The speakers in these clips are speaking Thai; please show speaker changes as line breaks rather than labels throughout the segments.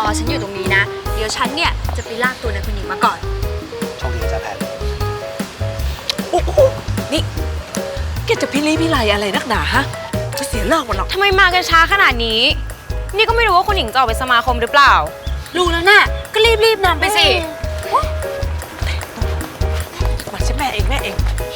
ฉันอยู่ตรงนี้นะเดี๋ยวฉันเนี่ยจะไปลากตัวนายคุณหญิงมาก่อน
โชคดีนะจ๊ะแพน
โอ้โหนี่แกจะพิลีพิไลอะไรนักหนาฮะจะเสียเลิกหมดหรอก
ทำไมมากันช้าขนาดนี้นี่ก็ไม่รู้ว่าคุณหญิงจะออกไปสมาคมหรือเปล่า
รู้แล้วน่ะก็รีบนำไปสิ
มาใช่แม่เอง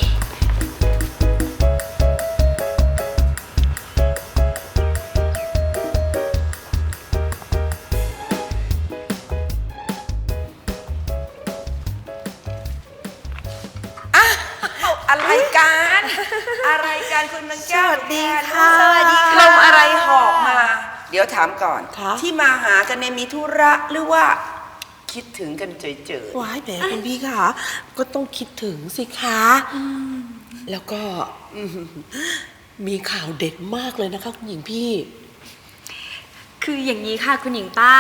อะไรกันอะไรกันคุณนางแก้ว
สวัสดีค่ะ
สวัสดีค่ะลมอะไรหอบมา เดี๋ยวถามก่อน
ค่ะ
ที่มาหากันเนี่ยมีธุระหรือว่าคิดถึงกันเฉย
ว้ายแหมคุณพี่ค่ะก็ต้องคิดถึงสิคะแล้วก็มีข่าวเด็ดมากเลยนะคะคุณหญิงพี่
คืออย่างนี้ค่ะคุณหญิงป้า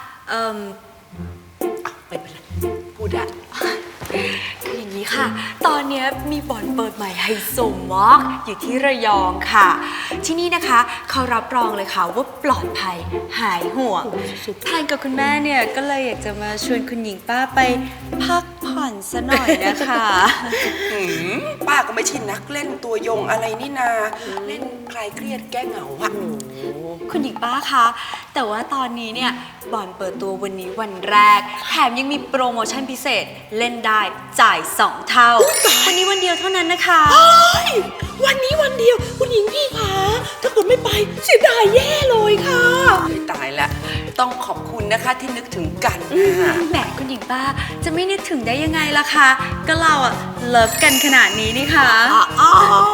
ไม่เป็นไรพูดได้
คืออย่างนี้ค่ะตอนนี้มีบ่อนเปิดใหม่ไฮโซมากอยู่ที่ระยองค่ะที่นี่นะคะเขารับรองเลยค่ะว่าปลอดภัยหายห่วงแทนกับคุณแม่เนี่ยก็เลยอยากจะมาชวนคุณหญิงป้าไปพักผ่อนซะหน่อยนะคะ
ๆป้าก็ไม่ใช่นักเล่นตัวยงอะไรนี่นาเล่นคลายเครียดแก้เหงาอะ
คุณหญิงป้าคะแต่ว่าตอนนี้เนี่ยบ่อนเปิดตัววันนี้วันแรกแถมยังมีโปรโมชั่นพิเศษเล่นได้จ่าย2 เท่าวันนี้วันเดียวเท่านั้นนะคะ
วันนี้วันเดียวคุณหญิงพี่คะถ้าเกิดไม่ไปเสียดายแย่เลยค่ะ
ตายละต้องขอบคุณนะคะที่นึกถึงกันนะ
แหมคุณหญิงป้าจะไม่นึกถึงได้ยังไงล่ะคะก็เราอะเลิฟกันขนาดนี้นี่ค่ะ
อ้าว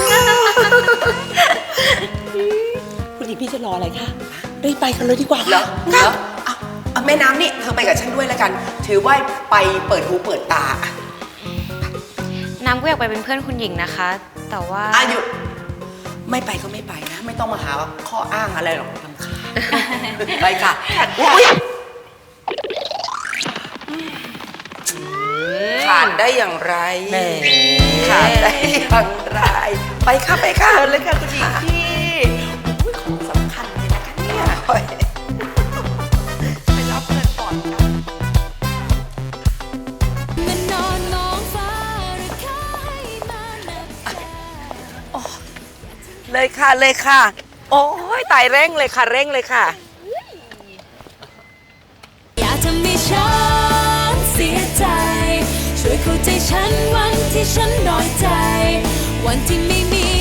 คุณหญิงพี่จะรออะไรคะรีบไปกันเลยดีกว่า
เหรอ
ค่ะ
เหรอเอาแม่น้ำนี่เธอไปกับฉันด้วยแล้วกัน ถือว่าไปเปิดหูเปิดตา
น้ำก็อยากไปเป็นเพื่อนคุณหญิงนะคะ แต่ว่า
หยุดไม่ไปก็ไม่ไปนะ ไม่ต้องมาหาข้ออ้างอะไรหรอกรำคาญไปค่ะอุ๊ยขาดได้อย่างไรขาดได้อย่างไรไปค่ะไปค่ะเลยค่ะคุณหญิงพี่ของสำคัญเลยนะคะเนี่ยไปรับเงินก่อนค่ะเลยค่ะเลยค่ะ โอ้ยตายเร่งเลยค่ะเร่งเลยค่ะ
อย่าทำให้ฉันเสียใจช่วยเข้าใจฉันวันที่ฉันน้อยใจวันที่ไม่มี